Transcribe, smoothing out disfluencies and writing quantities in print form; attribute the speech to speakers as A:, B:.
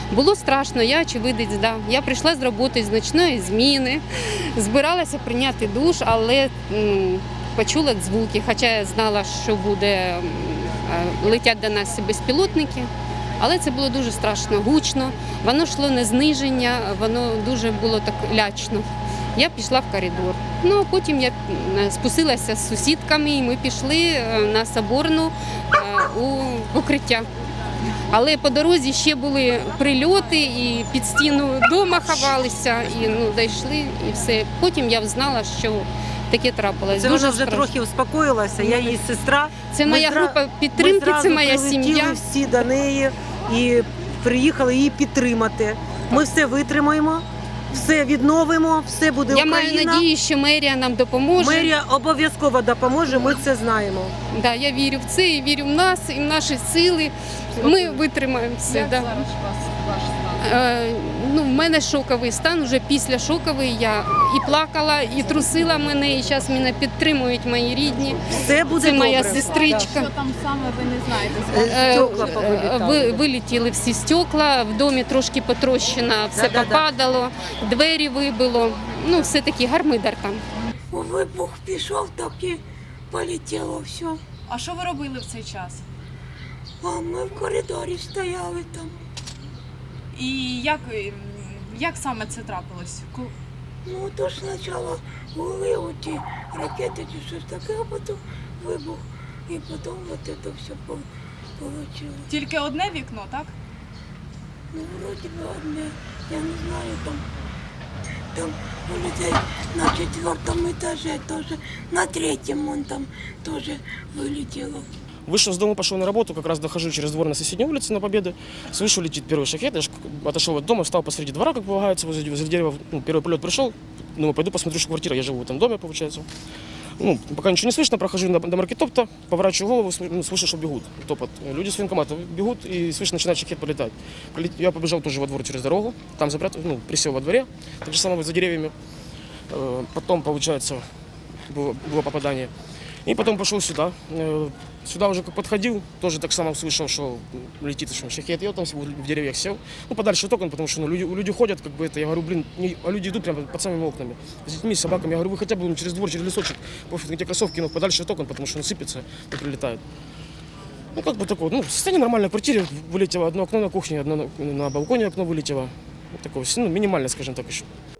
A: Було страшно, я очевидець, да. Я прийшла з роботи з ночної зміни, збиралася прийняти душ, але почула звуки, хоча я знала, що буде, летять до нас безпілотники. Але це було дуже страшно, гучно, воно йшло не зниження, воно дуже було так лячно. Я пішла в коридор. Ну, а потім я спустилася з сусідками і ми пішли на Соборну у укриття. Але по дорозі ще були прильоти і під стіну дома ховалися, і дійшли, і все. Потім я знала, що таке трапилось.
B: Це вона вже трохи успокоїлася, я її сестра.
A: Це моя група підтримки, це моя сім'я.
B: Ми всі до неї і приїхали її підтримати. Ми все витримаємо, все відновимо, все буде Україна.
A: Я маю надію, що мерія нам допоможе.
B: Мерія обов'язково допоможе, ми це знаємо.
A: Да, я вірю в це, і вірю в нас, і в наші сили. Ми витримаємо все.
C: Як
A: да.
C: зараз ваш стан?
A: В мене шоковий стан, вже після шоковий я і плакала, і трусила мене, і зараз мене підтримують мої рідні.
B: Все буде
A: Це моя
B: добре.
A: сестричка.
C: Що там саме, ви не знаєте?
B: Стекла повилітали.
A: Вилетіли всі стекла, в домі трошки потрощено, все попадало, двері вибило. Ну, все-таки гармидар там.
D: Вибух пішов, так і полетіло все.
C: А що ви робили в цей час?
D: А ми в коридорі стояли там.
C: І як саме це трапилось?
D: Ну, то ж спочатку були оті ракети чи щось таке, а потім вибух. І потім от це все вийшло.
C: Тільки одне вікно, так?
D: Ну, вроді би одне, я не знаю, там у людей на 4-му етажі теж, на 3-му вон там теж вилетіло.
E: Вышел с дома, пошел на работу, как раз дохожу через двор на соседней улице на Победы. Слышу, летит первый шахет. Я отошел от дома, встал посреди двора, как полагается, возле дерева. Первый полет пришел. Думаю, пойду посмотрю, что квартира. Я живу в этом доме, получается. Пока ничего не слышно, прохожу до маркетопта, поворачиваю голову, слышу, что бегут. Топот. Люди с военкомата бегут, и слышу, начинает шахет полетать. Я побежал тоже во двор через дорогу, там запрятал, присел во дворе, так же самое за деревьями. Потом, получается, было попадание. И потом пошел сюда. Сюда уже как подходил, тоже так само слышал, что летит шахет. Я там в деревьях сел, подальше от окон, потому что люди ходят, как бы это. Я говорю, а люди идут прямо под самыми окнами. С детьми, с собаками. Я говорю, вы хотя бы через двор, через лесочек, пофиг, эти кроссовки, подальше от окон, потому что он сыпется и прилетает. Как бы такое, состояние нормальное в квартире. Вылетело одно окно на кухне, одно на балконе окно вылетело. Такое, минимально, скажем так, еще.